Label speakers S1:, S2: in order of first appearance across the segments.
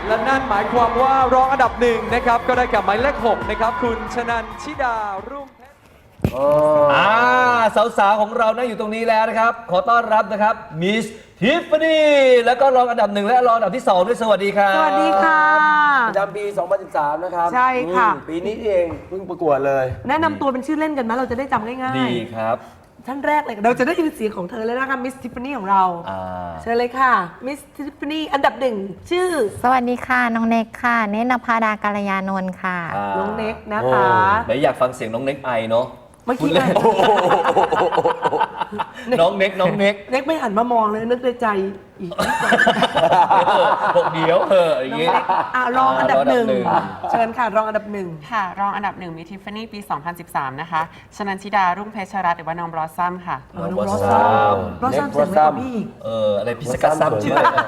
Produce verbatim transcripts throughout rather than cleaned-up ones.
S1: และนั่นหมายความว่ารองอันดับหนึ่งนะครับก็ได้กับหมายเลขหกนะครับคุณชนันชิดารุ่งเพชร
S2: อ่าสาวๆของเรานั่งอยู่ตรงนี้แล้วนะครับขอต้อนรับนะครับมิสทิฟฟานี่แล้วก็รองอันดับหนึ่งและรองอันดับที่สองด้วยสวัสดีครับ
S3: สวัสดีค่ะ
S4: ประจำปี สองพันสิบสาม นะครับ
S3: ใช่ค่ะ
S4: ปีนี้เองเพิ่งประกวดเลย
S3: แนะนำตัวเป็นชื่อเล่นกันไหมเราจะได้จำง่ายๆ
S2: ดีครับ
S3: ท่านแรกเลยเราจะได้ยินเสียงของเธอเลยนะคะมิสทิฟฟานี่ของเราเชิญเลยค่ะมิสทิฟฟานี่อันดับหนึ่งชื่อ
S5: สวัสดีค่ะน้องเน็กค่ะเนตรนภาดาการยานนท์ค่ะ
S3: น้องเน็กนะคะ
S2: ไหนอยากฟังเสียงน้องเน็กไอเนาะ
S3: เมื่อกี้ไง
S2: น้องเน็กน้องเน็ก
S3: เน็กไม่หันมามองเลยนึกในใจอีก
S2: บอกเดี๋ยวเอออย่างงี้
S3: อ่ะรองอันดับหนึ่งเชิญค่ะรองอันดับหนึ่ง
S6: ค่ะรองอันดับหนึ่งมิทิฟฟานี่ปี สองพันสิบสาม นะคะชนันชิดารุ่งเพชรรัตน์หรือว่าน้องบลอสซัมค่ะ
S3: น้องบลอสซัมบลอสซัมเสียงไม่กว่าพี่อีก
S2: เอออะไรพิสกัสซัมชื่ออะไร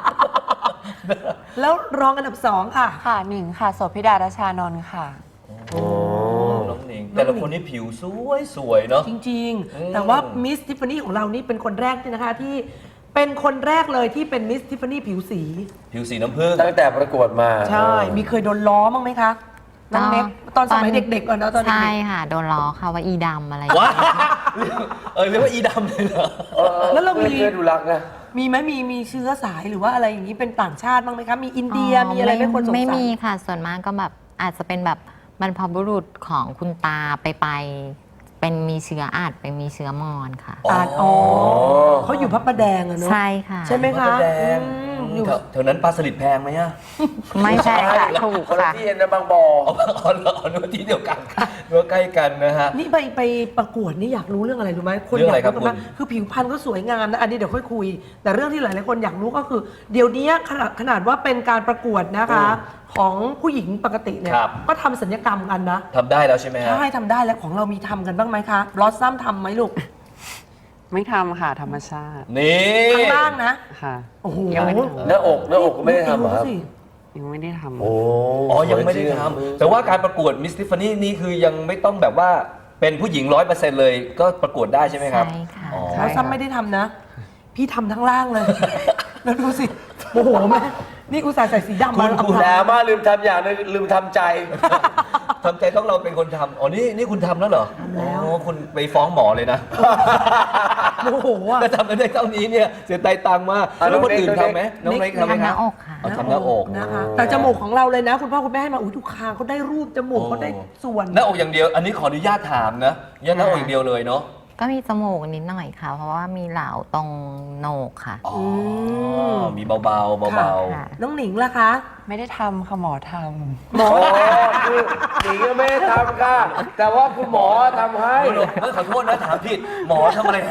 S3: แล้วรองอันดับสองค่ะ
S6: ค่ะหนึ่งค่ะโสภิดาราชานนท์ค่ะ
S2: น้องหนิงแต่ละคนนี่ผิวสวยสวยเนาะ
S3: จริงๆแต่ว่ามิสทิฟฟานี่ของเรานี่เป็นคนแรกนะคะที่เป็นคนแรกเลยที่เป็นมิสทิฟฟานี่ผิวสี
S2: ผิวสีน้ำผึ้ง
S4: ตั้งแต่ประกวดมา
S3: ใช่มีเคยโดนล้อมั้างไหมคะน้องเน็กตอนสมัยเด็กๆก่อนนะตอนเด็ก
S5: ใช่ค่ะโดนล้อค่ะว่าอีดำอะไร
S2: ว้าเออเรียกว่าอีดำเลยเหรอ
S3: แล้วเรามี
S4: เคยดูรักนะ
S3: มีไหมมีมีเชื้อสายหรือว่าอะไรอย่างนี้เป็นต่างชาติบ้างไหมคะมีอินเดียมีอะไรไม่คนสงสัย
S5: ไม่มีค่ะส่วนมากก็แบบอาจจะเป็นแบบบรรพบุรุษของคุณตาไปไปเป็นมีเชื้ออาจเป็นมีเชื้อมอญค่ะ
S3: อาจอ๋อเขาอยู่พระประแดงอะเนาะ
S5: ใช่ค่ะ
S3: ใช่ไหมคะ
S2: อยู่แถวนั้นปลาสลิดแพงไหมอะ
S5: ไม่ใช่ค่ะถูกค่ะ
S4: ที่เอ็นบางบ่อ
S2: อ๋อนึกที่เดียวกันนึกใกล้กันนะฮะ
S3: นี่ไปไปประกวดนี่อยากรู้เรื่องอะไรรู้ไหมคนอยากรู้มากคือผิวพรรณก็สวยงามนะอันนี้เดี๋ยวค่อยคุยแต่เรื่องที่หลายๆคนอยากรู้ก็คือเดี๋ยวนี้ขนาดขนาดว่าเป็นการประกวดนะคะของผู้หญิงปกติเนี่ยก็ทำศัลยกรรมกันนะ
S2: ทำได้แล้วใช่ไหมฮะ
S3: ใช่ทำได้แล้วของเรามีทำกันบ้างไหมคะบลอสซัมทำไหมลูก
S6: ไม่ทำค่ะธรรมชาติ
S2: นี่
S3: ข้างล่างนะ
S6: ค่ะ
S3: โอ้โห
S4: หน้าอกหน้าอกก็ไม่ได้ทำครับ
S6: ยังไม่ได้ทำ
S4: โอ้
S2: อ๋อยังไม่ได้ทำแต่ว่าการประกวดมิสทิฟฟานี่นี่คือยังไม่ต้องแบบว่าเป็นผู้หญิงร้อยเปอร์เซ็นต์เลยก็ประกวดได้ใช่ไหมครับ
S5: ใช่ค่ะ
S3: บลอสซัมไม่ได้ทำนะพี่ทำทั้งล่างเลยแล้วดูสิโอ้โหแม่นี่อุตส่าห์ใส่สีดำมา
S4: คุณแล้วมาลืมทำอย่างนึงลืมทำใจ
S2: ทำใจต้องเราเป็นคนทำอ๋อนี่นี่คุณทำแล้วเหรอ
S3: ทำแล้ว
S2: คุณไปฟ้องหมอเลยนะ
S3: โอ้โห
S2: ก็ทำได้เท่านี้เนี่ยเสียใจตังค์มากแล้วคนอื่นทำไหมน้องเล็กทำไหมครับ
S5: ทำหน้าอกค่ะ
S2: ทำหน้าอก
S3: นะคะแต่จมูกของเราเลยนะคุณพ่อคุณแม่ให้มาอุ้ยทุกคางเขาได้รูปจมูกเขาได้ส่วน
S2: หน้าอกอย่างเดียวอันนี้ขออนุญาตถามนะหน้าอกอย่างเดียวเลยเนาะ
S5: ก็มีจมูกนิดหน่อยค่ะเพราะว่ามีเหลาตรงโหนกค่ะ
S2: อ๋อมีเบาๆเบา
S3: ๆน้องหนิงล่ะคะ
S6: ไม่ได้ทำค่ะหมอทำ
S4: หมอคือหนิงก็ไม่ได้ทำค่ะแต่ว่าคุณหมอทำให้
S2: ขอโทษนะถามผิดหมอทำอะไรให้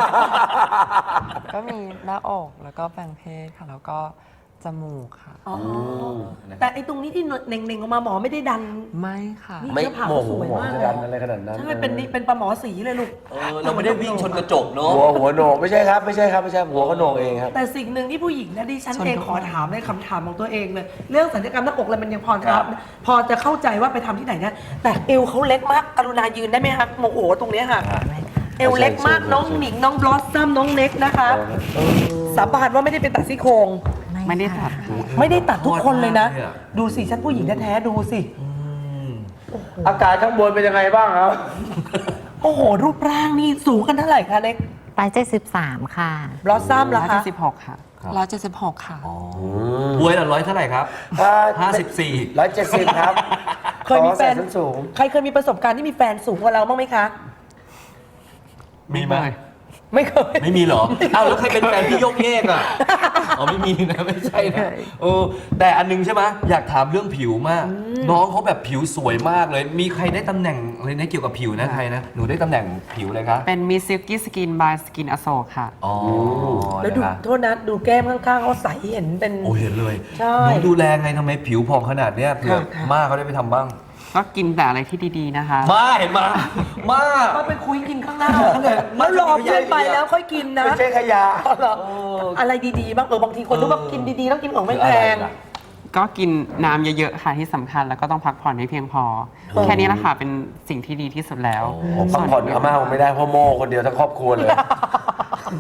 S6: ก็มีหน้าอกแล้วก็แปลงเพศค่ะแล้วก็จมูกค่ะ
S3: แต่ไอ้ตรงนี้ที่เน่งๆออกมาหมอไม่ได้ดัน
S6: ไม่ค่ะ
S4: ไม่โมโหหมอจะดันอะไรขนาดนั้น
S3: ใช่เป็นเป็นปลาหมอสีเลยลูก
S2: เราไม่ได้วิ่งชนกระจกเนาะ
S4: หัวหัวโหนกไม่ใช่ครับไม่ใช่ครับไม่ใช่หัวก็โหนกเองครับ
S3: แต่สิ่งหนึ่งที่ผู้หญิงนะดิฉันเองขอถามในคำถามของตัวเองเลยเรื่องศัลยกรรมหน้าอกอะไรมันยังพอครับพอจะเข้าใจว่าไปทำที่ไหนนะแต่เอวเขาเล็กมากกรุณายืนได้ไหมคะโมโหตรงนี้ค่ะเอวเล็กมากน้องหนิงน้องบลอสซัมน้องเน็กนะคะสาบานว่าไม่ได้เป็นตัดซี่โครง
S6: ไม่ได้ตัด
S3: ไม่ได้ตัดทุกคนเลยนะดูสิฉันผู้หญิงแท้ๆดูสิ
S4: อากาศข้างบนเป็นยังไงบ้างครับ
S3: โอ้โหรูปร่างนี่สูงกันเท่าไหร่คะเน็ก
S5: ร้อยเจ็ดสิบสามค่ะ
S3: บลอสซัมล่ะคะ
S6: ร้อยเจ็ดสิบหกค่ะร้อยเจ็ดสิบหกค่ะ
S2: บวยละร้อยเท่าไหร่ครับห้าสิบสี่
S4: ร้อยเจ็ดสิบครับ
S3: เคยมีแฟนสูงใครเคยมีประสบการณ์ที่มีแฟนสูงกว่าเราบ้างไหมคะ
S2: มีไหม
S3: ไม่เคย
S2: ไม่มีเหรออ้าวแล้วใครเป็นแฟนพี่ยกเยกอ่ะอ๋อไม่มีนะไม่ใช่นะเออแต่อันนึงใช่ไหมอยากถามเรื่องผิวมากน้องเขาแบบผิวสวยมากเลยมีใครได้ตำแหน่งอะไรนะเกี่ยวกับผิวนะใครนะหนูได้ตำแหน่งผิวเลยครับ
S6: เป็นมิสซิลกี้สกินบายสกินอโศกค่ะ
S2: อ๋อ
S3: แล้วดูโทษนะดูแก้มข้างๆเขาใสเห็นเป็น
S2: โอ้เห็นเลย
S3: ใช่
S2: หนูดูแลไงทำไมผิวผ่องขนาดเนี้ยเผื่อมากเขาได้ไปทำบ้าง
S6: ก็กินแต่อะไรที่ดีๆนะคะ
S2: มาเห็นมามา
S3: ก็ไปคุยกินข้างหน้าแล้วรอเพื่อนไปแล้วค่อยกินนะ
S4: ไม่ใช่ขยะ
S3: อะไรดีๆบ้างเออบางทีคนรู้ว่ากินดีๆต้องกินของไม่แพง
S6: ก็กินน้ำเยอะๆค่ะที่สำคัญแล้วก็ต้องพักผ่อนให้เพียงพอแค่นี้แหละค่ะเป็นสิ่งที่ดีที่สุดแล้ว
S4: พักผ่อนอาม่าคงไม่ได้เพราะโม่คนเดียวทั้งครอบครัวเลย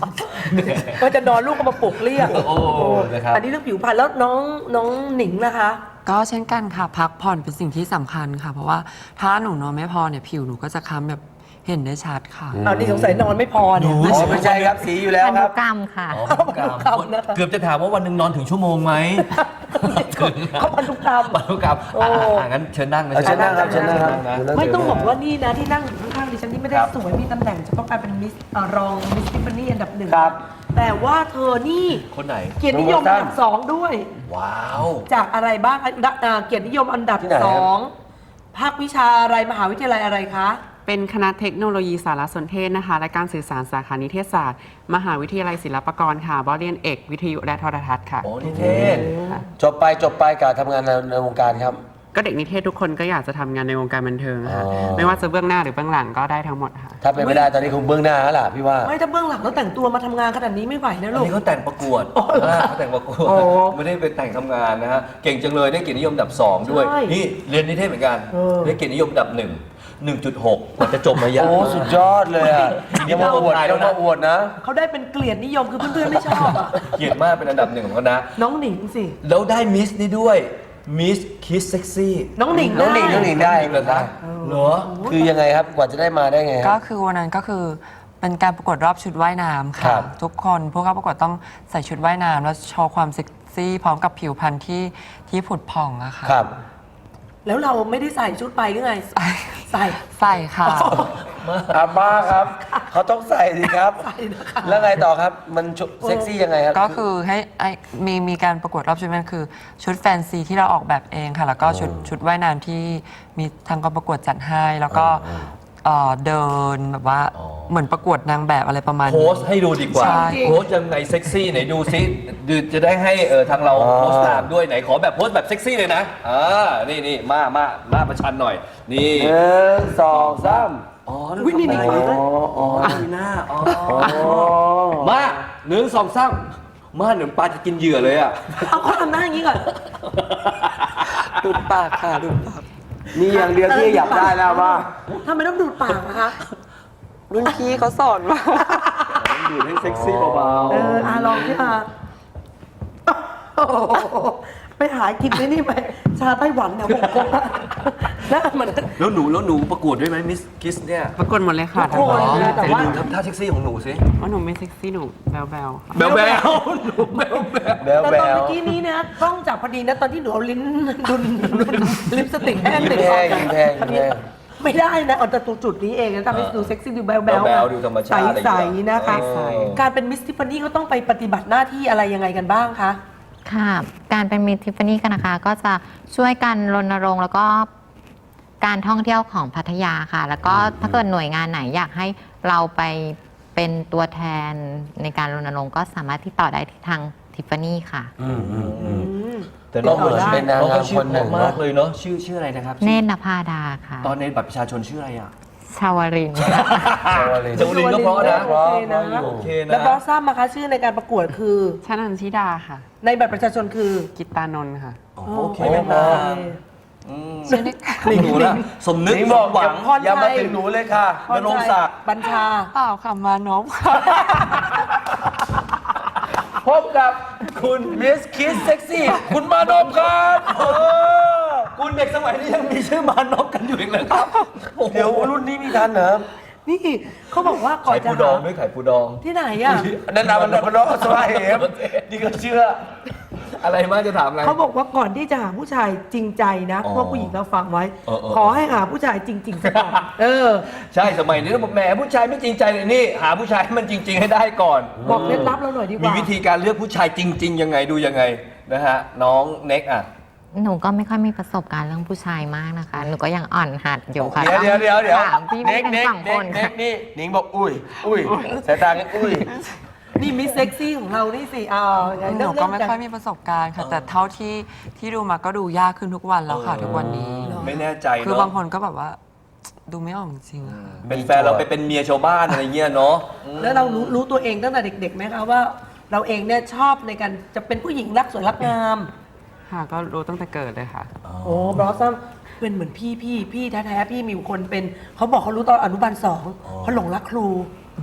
S3: ก็จะนอนลูกก็มาปลุกเรียก
S2: โอ้นะครับ
S3: อันนี้เรื่องผิวพรรณแล้วน้องน้องหนิงนะคะ
S7: ก็เช่นกันค่ะ พักผ่อนเป็นสิ่งที่สำคัญค่ะ เพราะว่าถ้าหนูนอนไม่พอเนี่ยผิวหนูก็จะคล้ำแบบเห็นได้ชัดค่ะ
S3: เอานี่สงสัยนอนไม่พอเนี่ย
S2: หนู
S4: อ๋อไม่ใช่ครับสีอยู่แล้ว
S5: พัน
S4: ค
S5: ธุ
S4: รับ
S5: กรรมค่ะ
S2: อ๋อพันธุกรรม
S3: พันธุกรรมนะคะ
S2: เกือบจะถามว่าวันหนึ่งนอนถึงชั่วโมงไหม
S3: เขาพันธุกรรม
S2: พันธุกรรม
S3: โอ้
S2: อ่ะงั้นเชิญนั่งนะ
S4: เอาเชิญนั่งครับเชิญนั่งครับ
S2: นะ
S3: ไม่ต้องบอกว่านี่นะที่นั่งอยู่ข้างๆดิฉันนี่ไม่ได้
S2: ครับ
S3: สวยมีตำแหน่งเฉพาะการเป็นมิสเอ่อรองมิสทิฟฟานี่อันดับหนึ่ง
S4: ครับ
S3: แต่ว่าเธอนี่
S2: คนไหน
S3: เกียรตินิยมอันดับสองด้วย
S2: ว้าว
S3: จากอะไรบ้างอันดับอ่าเกียรตินิยมอันดับ
S4: ที่ไหนครับ
S3: สองภาควิชาอะไรมหาวิทยาลัยอะไรคะ
S6: เป็นคณะเทคโนโลยีสารสนเทศนะคะ และการสื่อสารสาขานิเทศศาสตร์ มหาวิทยาลัยศิลปากรค่ะบเรียนเอกวิทยุและโทรทัศน์ค่ะ
S2: โอ้นิเทศ
S4: จบไปจบไปการทำงานในในวงการครับ
S6: ก็เด็กนิเทศทุกคนก็อยากจะทำงานในวงการบันเทิงค่ะ
S4: อ๋อ
S6: ไม่ว่าจะเบื้องหน้าหรือเบื้องหลังก็ได้ทั้งหมดค่ะ
S4: ถ้าเป็นไม่ได้ตอนนี้คงเบื้องหน้าแล้วล่ะพี่ว่า
S3: ไม่ถ้าเบื้องหลังแล้วแต่งตัวมาทำงานขนาดนี้ไม่ไหวนะ
S2: อัน
S3: ลูก
S2: นี้เขาแต่งประกวด
S3: อ๋อเหรอ
S2: อ่าเขาแต่งประกวด
S3: โอ้
S2: ไม่ได้ไปแต่งทำงานนะฮะ เก่งจังเลยได้เกียรตินิยมอันดับสองด้วย
S3: ใช่
S2: นี่เรียนนิเทศเหมือนกัน
S3: เออ
S2: ได้เกียรตินิยมอันดับหนึ่ง หนึ่งจุดหกกว่าจะจบมายาก
S4: โอ้
S2: มาก
S4: สุดยอดเลยอ่ะ
S2: ทีนี้
S4: ยังมาอวด
S2: เราตายแล้
S4: ยั
S2: ว
S4: ง
S2: นะ
S4: มาอวดนะ
S3: เขาได้เป็นเกลียดนิยมคือเพื่อนๆไม่ชอบอะ
S2: เกียรติมากเป็นอันดับหนึ่งของคณะ
S3: น้องหนิงสิ
S2: แล้วได้มิสนี่ด้วย มิสคิสเซ็กซี่
S3: น้องหนิง
S4: น้องหนิง
S3: ได้
S4: น้องหนิงได้
S2: เหรอครับเหรอ
S4: คือยังไงครับกว่าจะได้มาได้ไงค
S7: ก็
S4: รับ
S7: คือวันนั้นก็คือเป็นการประกวดรอบชุดว่ายน้ำ
S4: ครั
S7: ค่ะ
S4: บ
S7: ทุกคนผู้เข้าประกวดต้องใส่ชุดว่ายน้ำแล้วโชว์ความเซ็กซี่พร้อมกับผิวพรรณที่ที่ผุดผ่องอะค่ะ
S4: ครับ
S3: แล้วเราไม่ได้ใส่ชุดไปหรือไง ใส่
S7: ใส่ค่ะ
S4: อาม่าครับ เขาต้องใส่สิครับ แล้วไงต่อครับ มันชุดเซ็กซี่ยังไงครับ
S7: ก็คือให้ไอ้มีมีการประกวดรอบชุดมันคือชุดแฟนซีที่เราออกแบบเองค่ะ แล้วก็ชุดชุดว่ายน้ำที่มีทางกองประกวดจัดให้ แล้วก็เอ่อเดินแบบว่า
S2: อ๋อ
S7: เหมือนประกวดนางแบบอะไรประมาณ
S2: โพ
S7: นี้
S2: สต์ให้ดูดีกว่า
S7: ใช่
S2: โพสต์ยังไงเซ็กซี่ไหนดูซิดูจะได้ให้เออทางเรา
S4: อ๋อ
S2: โพสต์ตามด้วยไหนขอแบบโพสต์แบบเซ็กซี่เลยนะอ่านี่นี่มามามาประชันหน่อย นี่
S4: หนึ่งสองสาม
S2: อ๋อ
S3: อุ๊ยนี่นี่
S2: ทำอะไร
S4: อ๋ออ๋อ
S2: มีหน้าอ๋อ
S4: อ๋อ
S2: มาหนึ่งสองสามมาเหมือนปลาจะกินเหยื่อเลยอ่ะ
S3: เอาเขาทำหน้าอย่างนี้ก่อน
S7: ดูดปากค่ะดูดปาก
S4: มีอย่างเดียวที่อยากได้แล้วว่า
S3: ทำไมต้องดูดปากนะคะ
S7: รุ่นพี่เขาสอนมา
S2: ดูดให้เซ็กซี่เบา
S3: เอออาลองที่มาโอ้โหไปหากินไอ้นี่ไปชาไต้หวันเนี่ยผมคงหน้ามัน
S2: ๆแล้วหนูแล้วหนูประกวดด้วยไหมมิสคิสเนี่ย
S6: ประกวดหมดเลยค่ะ
S3: ทุกคน
S6: ทั้งหมด
S3: แต่
S2: แต่
S3: ว่า
S2: ดูทำท่าเซ็กซี่ของหนูสิ
S6: ว่าหนูไม่เซ็กซี่หนูแบลแบลค่ะ
S2: แบลแบลหนูแบลแบล
S4: แบล
S3: แต่
S4: แบ
S3: ตอน
S4: ล
S3: เมื่อกี้นี้นะกล้องจับพอดีนะตอนที่หนูเอาลิ้นดุนดุนลิปสติกแห้ง
S4: ยิ้ม
S3: ติด
S4: แห้
S3: คอง
S4: ยิ้มแพงยิ้มแพง
S3: ไม่ได้นะเอาแต่ตรงจุดนี้เองนะทำให้ดูเซ็กซี่ดูแบลแบล
S2: แบลๆดูธรรมชาติอะไรอย่าง
S3: ใส
S2: เงี้ย
S3: ๆนะคะ
S2: ใส
S3: การเป็นมิสทิฟฟานี่เขาต้องไปปฏิบัติหน้าที่อะไรยังไงกันบ้างคะ
S5: ค่ะ การเป็นมิสทิฟฟานี่กันนะคะ ก็จะช่วยกันรณรงค์แล้วก็การท่องเที่ยวของพัทยาค่ะ แล้วก็ถ้าเกิดหน่วยงานไหนอยากให้เราไปเป็นตัวแทนในการรณรงค์ก็สามารถที่ต่อได้ที่ทางทิฟฟานี่ค่ะ
S4: อืมอืมอืม
S3: อืม
S2: แต่น้อง
S4: ก็เหมือนเป็นนางงาม
S2: เขาชื่อ
S4: คนหนึ่ง
S2: เพราะมากเลยเนาะชื่อชื่ออะไรนะครับ
S5: เนตรนภาดาค่ะ
S2: ตอนในบัตรประชาชนชื่ออะไรอ่ะ
S5: ชาวรินทร์
S4: ชาวลิน
S2: ชวลินก็เพราะนะ
S3: โอเคนะ
S2: โอเคนะ
S3: แล้วบอสซัมนะคะชื่อในการประกวดคือ
S6: ชนันชิดาค่ะ
S3: ในบัตรประชาชนคือ
S6: กิตตานนท์ค่ะ
S2: โอเคเป็นนางอืมหนูนะสมนึก
S4: นี่บอก
S2: สมหวัง
S3: พรชัย
S4: อย่ามาถึงหนูเลยค่ะ
S3: พรชัย
S2: นรงค์ศักดิ์
S3: บัญชา
S7: เปล่าค่ะมานพค่ะ
S4: พบกับคุณมิสคิสเซ็กซี่ คุณมานพครับเออ
S2: คุณเด็กสมัยนี้ยังมีชื่อมานพกันอยู่อีกเลยครับโอ้โห
S4: เดี๋ยวรุ่นนี้มีทันเหรอ
S3: นี่เขาบอกว่าก่อ
S2: ไข่
S3: นจะ
S2: ปูดอง
S3: หา
S2: ด้วยไข่ปูดอง
S3: ที่ไหนอ่ะ
S4: นั่นนามันมันน้องสบายเหมนี่ก็เชื่อ
S2: อะไรมากจะถามอะไร
S3: เขาบอกว่าก่อนที่จะหาผู้ชายจริงใจนะ
S2: อ๋อ
S3: พวกผู้หญิงเราฟังไว้
S2: เออเออ
S3: ขอให้หาผู้ชายจริงๆซะก่อนเออ
S2: ใช่สมัยนี้ต้องบอกแหมผู้ชายไม่จริงใจเลยนี่ หาผู้ชายให้มันจริง ๆ ให้ได้ก่อน
S3: บอกเคล็ดลับเราหน่อยดีก
S2: มี
S3: ว่า
S2: วิธีการเลือกผู้ชายจริง ๆ ยังไงดูยังไงนะฮะน้องเน็กอ่ะ
S5: หนูก็ไม่ค่อยมีประสบการณ์เรื่องผู้ชายมากนะคะ หนูก็ยังอ่อนหัดอยู่ค่ะ
S4: เดี๋ยวเดี๋ยวเดี๋ยวเดี๋ยว
S5: ถามพี่
S4: เน็
S5: พี่
S4: ก
S5: ทั้ง
S4: เน็ก
S5: สอง
S4: เน็
S5: ค
S4: ก
S5: น
S4: เน็ก
S5: ค่ะ
S4: นี่หนิงบอกอุ้ย อุ้ยสายตากันอุ้ย
S3: นี่มิสเซ็กซี่ของเรานี่สิเอาไง
S7: ห
S3: เรื่
S7: นู
S3: อง
S7: ก็
S3: เรื่
S7: ไม่
S3: อง
S7: ค่อยมีประสบการณ์ค่ะ แต่เท่าที่ที่ดูมาก็ดูยากขึ้นทุกวันแล้วค่ะ ทุกวันนี้
S2: ไม่แน่ใจ
S7: คือ
S2: เนาะ
S7: บางคนก็แบบว่า ดูไม่ออกจริงๆอะค่ะ
S2: เป็นแฟนเราไปเป็นเมียชาวบ้านอะไรเงี้ยเนาะ
S3: แล้วเรารู้รู้ตัวเองตั้งแต่เด็กๆไหมคะว่า เราเองเนี่ยชอบในการจะเป็นผู้หญิงรักสวยรักงาม
S6: ค่ะก็รู้ตั้งแต่เกิดเลยค่ะ
S3: โอ้บลอสซัมเป็นเหมือนพี่พี่พี่แท้ๆพี่มีอยู่คนเป็นเขาบอกเขารู้ตอนอนุบาลสองเขาหลงรักครูม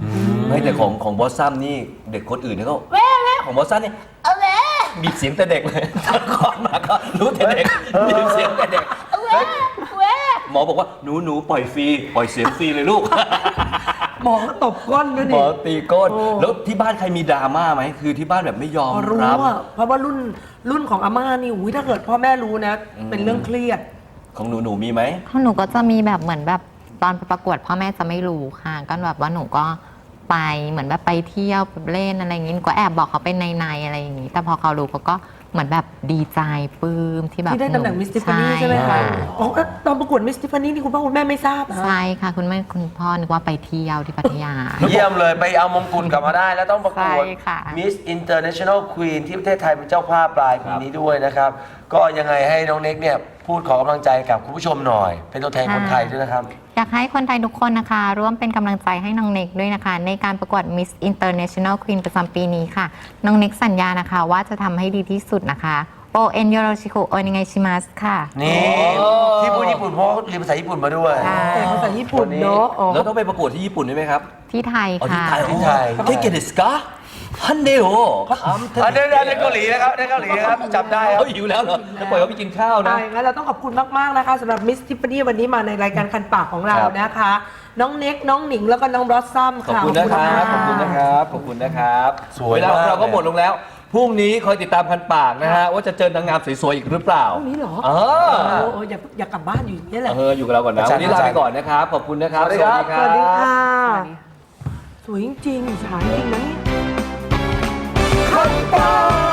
S2: ไม่แต่ของของบอสซัมนี่เด็กคนอื่นเนี่ยก็แว่แว่ของบอสซัมนี่เอาแว่บีบเสียงแต่เด็กเลยคลอดมาก็รู้แต่เด็กบีบเสียงแต่เด็กเอาแว่แว่หมอบอกว่าหนูหนูปล่อยฟรีปล่อยเสียงฟรีเลยลูก
S3: หมอก็ตบก้นด้วย
S2: หม
S3: นี่
S2: อตีก้น
S3: โอ้
S2: แล้วที่บ้านใครมีดราม่าไหมคือที่บ้านแบบไม่ยอม
S3: พอรู้
S2: รับ
S3: อะเพราะว่ารุ่นรุ่นของอาม่านี่อุ้ยถ้าเกิดพ่อแม่รู้นะ เป็นเรื่องเครียด
S2: ของหนูหนูมีไหม
S5: ของหนูก็จะมีแบบเหมือนแบบตอนไปประกวดพ่อแม่จะไม่รู้ค่ะก็แบบว่าหนูก็ไปเหมือนแบบไปเที่ยวไปเล่นอะไรอย่างนี้หนูก็แอบบอกเขาเป็นในๆอะไรอย่างนี้ แต่พอเขารู้เขาก็เหมือนแบบดีใจปลื้มที่แบบ
S3: ที่ได้ตำแหน่ง
S5: นู
S3: มิสทิฟานี่ใช่ไหมคะ
S5: ค่ะ
S3: อ๋อแล้วตอนประกวดมิสทิฟานี่นี่คุณพ่อคุณแม่ไม่ทราบนะ
S5: ใช่ค่ะคุณแม่คุณพ่อนึกว่าไปเที่ยวที่พัทยา
S4: เยี่ยมเลยไปเอามงกุฎกลับมาได้ แล้วต้องประกวด
S5: ใช่ค่ะ
S4: Miss International Queen ที่ประเทศไทยเป็นเจ้าภาพปลายปีนี้ด้วยนะครับ ก็ยังไงให้น้องเน็กเนี่ยพูดขอกำลังใจกับคุณผู้ชมหน่อย เป็นตัวแทนคนไทยด้วยนะครับ
S5: อยากให้คนไทยทุกคนนะคะ ร่วมเป็นกำลังใจให้น้องเน็กด้วยนะคะ ในการประกวด Miss International Queen ประจำปีนี้ค่ะ น้องเน็กสัญญานะคะ ว่าจะทำให้ดีที่สุดนะคะโอเอ็นโยโรชิคุโอนิไงชิมัสค่ะ
S4: นี่ที่พูดญี่ปุ่นเพราะเขาเรียนภาษาญี่ปุ่นมาด้วย
S5: ค่ะ
S3: แต่ภาษาญี่ปุ่นเนาะอ๋อ
S2: แล้วต้องไปประกวดที่ญี่ปุ่นด้วยไหมครับ
S5: ที่ไทย
S2: อ๋อที่
S5: ค่ะ
S2: ไทย
S4: ที่ไทย
S2: เทเกเดสกาฮันเดโอคำเท
S4: อันนี้ในเกาหลีนะครับในเกาหลีนะครับจำได้ครับ
S2: เขาหิวแล้วเหรอจะปล่อยเขาไปกินข้าวนะ
S3: ใช่งั้นเราต้องขอบคุณมาก ๆ นะคะสำหรับมิสทิฟานี่วันนี้มาในรายการคันปากของเรา
S2: ครับ
S3: นะคะ น้องเน็ก น้องหนิง แล้วก็น้องบลอสซัม
S2: ขอบ
S3: ค่ะ
S2: คุณนะครับ ขอบคุณนะครับ ขอบคุณนะครับ
S4: สวย
S2: เวลาของเรา
S4: มาก
S2: ก็หมดลงแล้ว พรุ่งนี้คอยติดตามพันปากนะฮะ ว่าจะเจอนางงามสวยๆอีกหรือเปล่า
S3: พรุ่งนี้เหรอ
S2: เออ
S3: โอ้โหอย่าอย่ากลับบ้านอยู่อย่างนี่แหละ
S2: เอออยู่กับเราก่อนนะ
S4: อาจารย์
S2: วันนี้ลาไปก่อนนะครับ ขอบคุณนะครับ
S4: สวัสดีครับ
S3: สวัสดีค่ะ
S6: สวัสดีค่ะ
S3: สวยจริงๆสวยจริงนะเนี่ย
S4: คันปาก